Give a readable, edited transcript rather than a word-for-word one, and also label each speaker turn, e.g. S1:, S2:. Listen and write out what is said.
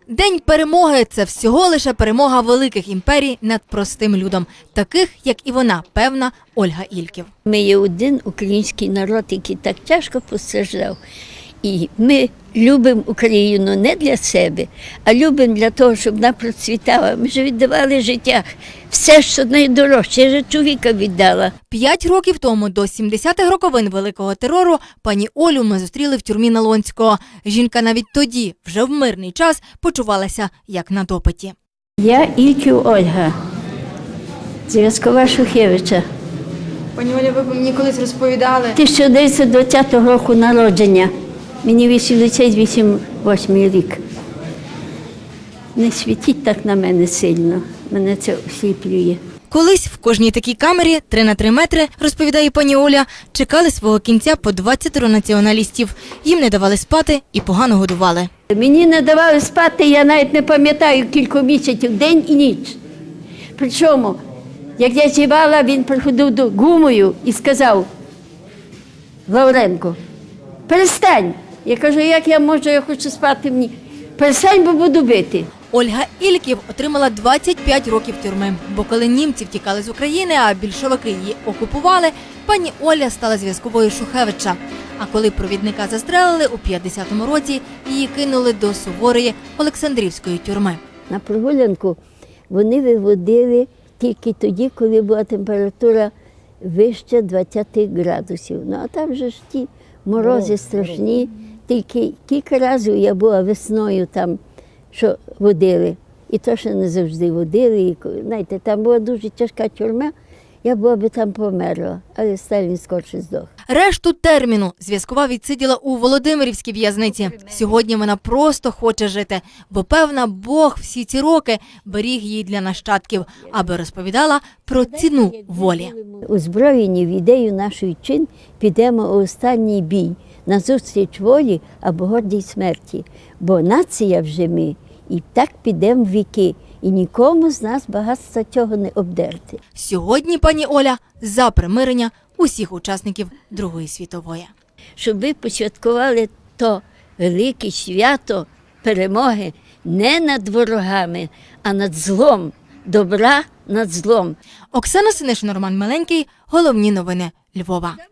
S1: День перемоги – це всього лише перемога великих імперій над простим людом, таких, як і вона, певна Ольга Ільків.
S2: Ми є один український народ, який так тяжко постраждав. І ми любимо Україну не для себе, а любимо для того, щоб вона процвітала. Ми ж віддавали життя. Все, що найдорожче, я ж чоловіка віддала.
S1: 5 років тому, до 70-х роковин Великого терору, пані Олю ми зустріли в тюрмі Налонського. Жінка навіть тоді, вже в мирний час, почувалася як на допиті.
S2: Я Ільків Ольга, зв'язкова Шухевича.
S1: Пані Оля, ви мені колись розповідали.
S2: 1920 року народження. Мені 88 рік. Не світіть так на мене сильно, мене це осліплює.
S1: Колись в кожній такій камері 3 на 3 метри, розповідає пані Оля, чекали свого кінця по 20 націоналістів. Їм не давали спати і погано годували.
S2: Мені не давали спати, я навіть не пам'ятаю кілька місяців, день і ніч. Причому, як я зівала, він приходив до гумою і сказав: Лавренко, перестань. Я кажу, як я можу, я хочу спати мені. Перестань, бо буду бити.
S1: Ольга Ільків отримала 25 років тюрми, бо коли німці втікали з України, а більшовики її окупували, пані Оля стала зв'язковою Шухевича. А коли провідника застрелили у 50-му році, її кинули до суворої Олександрівської тюрми.
S2: На прогулянку вони виводили тільки тоді, коли була температура вище 20 градусів. Ну, а там же ж ті морози страшні. Тільки кілька разів я була весною там, що водили. І то, що не завжди водили. І, знаєте, там була дуже тяжка тюрма, я була би там померла, але Сталін скорше здох.
S1: Решту терміну зв'язкова відсиділа у Володимирівській в'язниці. Сьогодні вона просто хоче жити, бо, певна, Бог всі ці роки беріг її для нащадків, аби розповідала про ціну волі.
S2: Озброєні в ідею нашої чин підемо у останній бій, назустріч волі або гордій смерті. Бо нація вже ми, і так підемо в віки. І нікому з нас багатства цього не обдерти.
S1: Сьогодні пані Оля за примирення усіх учасників Другої світової.
S2: Щоб ви посвяткували то велике свято перемоги не над ворогами, а над злом, добра над злом.
S1: Оксана Синишин, Роман Миленький. Головні новини Львова.